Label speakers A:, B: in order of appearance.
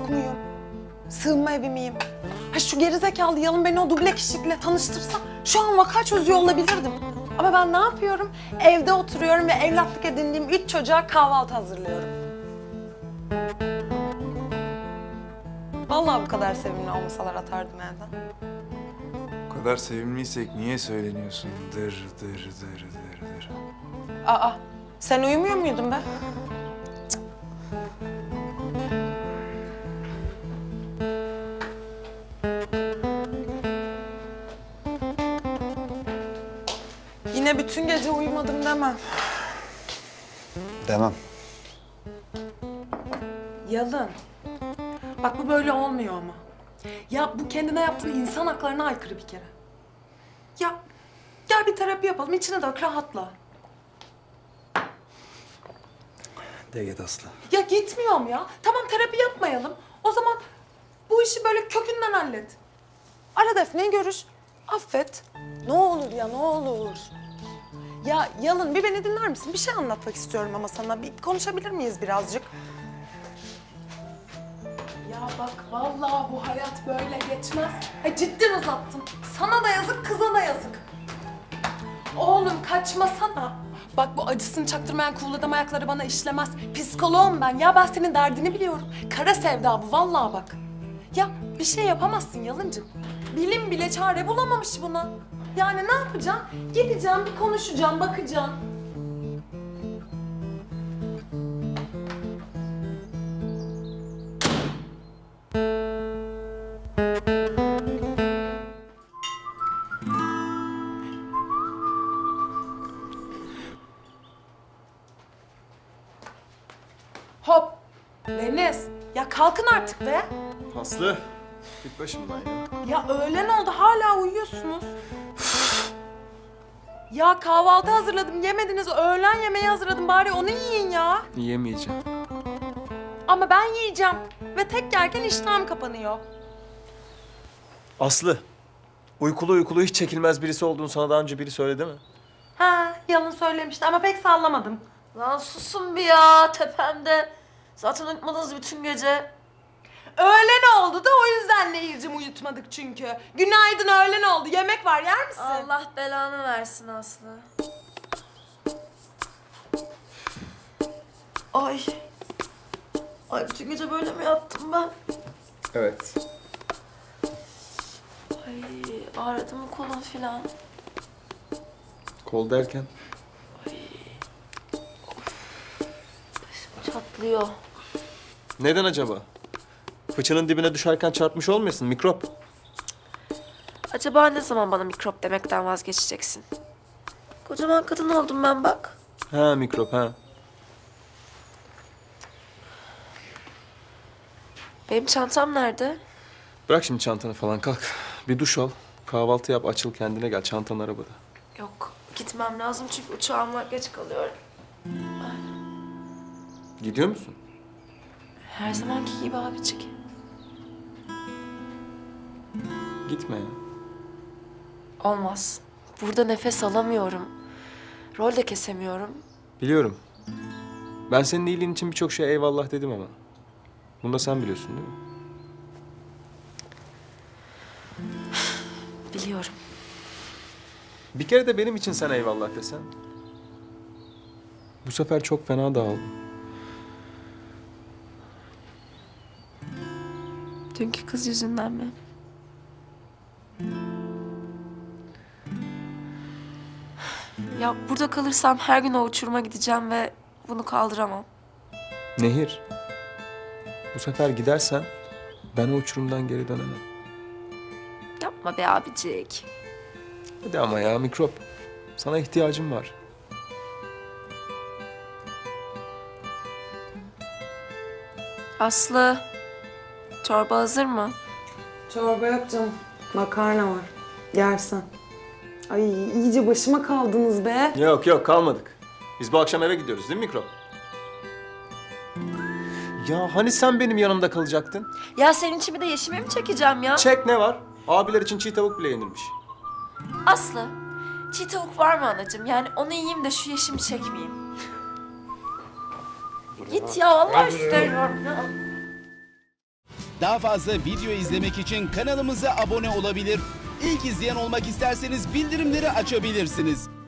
A: yok muyum? Sığınma evi miyim? Ha şu gerizekalı Yalın beni o duble kişilikle tanıştırsa şu an vaka çözüyor olabilirdim. Ama ben ne yapıyorum? Evde oturuyorum ve evlatlık edindiğim 3 çocuğa kahvaltı hazırlıyorum. Vallahi bu kadar sevimli olmasalar atardım evden.
B: Bu kadar sevimliysek niye söyleniyorsun? Dır dır dır dır dır.
A: Aa, sen uyumuyor muydun be? Yine bütün gece uyumadım demem.
B: Demem.
A: Yalın. Bak bu böyle olmuyor ama. Ya bu kendine yaptığın insan haklarına aykırı bir kere. Ya gel bir terapi yapalım, içine dök, rahatla.
B: De git Aslı.
A: Ya gitmiyorum ya. Tamam terapi yapmayalım. O zaman bu işi böyle kökünden hallet. Ara Defne'yi görüş. Affet. Ne olur ya ne olur. Ya Yalın bir beni dinler misin? Bir şey anlatmak istiyorum ama sana. Bir konuşabilir miyiz birazcık? Ya bak vallahi bu hayat böyle geçmez. Cidden uzattım. Sana da yazık, kıza da yazık. Oğlum kaçmasana. Bak bu acısını çaktırmayan kuğuladam ayakları bana işlemez. Psikoloğum ben. Ya ben senin derdini biliyorum. Kara sevda bu vallahi bak. Ya bir şey yapamazsın Yalıncığım. Bilim bile çare bulamamış buna. Yani ne yapacağım? Gideceğim, bir konuşacağım, bakacağım. Hop! Deniz, ya kalkın artık be.
B: Aslı. Git başımdan ya.
A: Ya öğlen oldu, hala uyuyorsunuz. Ya kahvaltı hazırladım, yemediniz. Öğlen yemeği hazırladım, bari onu yiyin ya.
B: Yiyemeyeceğim.
A: Ama ben yiyeceğim. Ve tek yerken iştahım kapanıyor.
C: Aslı, uykulu hiç çekilmez birisi olduğunu sana daha önce biri söyledi mi?
A: Ha, Yalın söylemişti ama pek sallamadım.
D: Lan susun bir ya tepemde. Zaten uyutmadınız bütün gece.
A: Öğlen oldu da o yüzden Nehir'cim uyutmadık çünkü. Günaydın, öğlen oldu. Yemek var, yer misin?
D: Allah belanı versin Aslı. Ay. Ay bütün gece böyle mi yattım ben?
B: Evet.
D: Ay ağrıdı mı kolum filan?
B: Kol derken?
D: Çatlıyor.
C: Neden acaba? Fıçının dibine düşerken çarpmış olmayasın, mikrop.
D: Acaba ne zaman bana mikrop demekten vazgeçeceksin? Kocaman kadın oldum ben bak.
C: Ha mikrop ha.
D: Benim çantam nerede?
C: Bırak şimdi çantanı falan kalk. Bir duş al, kahvaltı yap, açıl kendine gel. Çantan arabada.
D: Yok gitmem lazım çünkü uçağım var geç kalıyorum.
C: Gidiyor musun?
D: Her zamanki gibi abicik.
C: Gitme ya.
D: Olmaz. Burada nefes alamıyorum. Rol de kesemiyorum.
C: Biliyorum. Ben senin iyiliğin için birçok şeye eyvallah dedim ama. Bunu da sen biliyorsun değil mi?
D: Biliyorum.
C: Bir kere de benim için sen eyvallah desen. Bu sefer çok fena dağıldım.
D: Dünkü kız yüzünden mi? Ya burada kalırsam her gün o uçuruma gideceğim ve bunu kaldıramam.
C: Nehir. Bu sefer gidersen ben o uçurumdan geri dönemem.
D: Yapma be abicik.
C: Hadi ama ya mikrop. Sana ihtiyacım var.
D: Aslı, çorba hazır mı?
A: Çorba yok canım. Makarna var. Yersen. Ay iyice başıma kaldınız be.
C: Yok kalmadık. Biz bu akşam eve gidiyoruz değil mi mikrop? Ya hani sen benim yanımda kalacaktın?
D: Ya senin için bir de yeşime mi çekeceğim ya?
C: Çek ne var? Abiler için çiğ tavuk bile yenilmiş.
D: Aslı, çiğ tavuk var mı anacığım? Yani onu yiyeyim de şu yeşimi çekmeyeyim. Git ya, vallahi istemiyorum ya.
E: Daha fazla video izlemek için kanalımıza abone olabilir. İlk izleyen olmak isterseniz bildirimleri açabilirsiniz.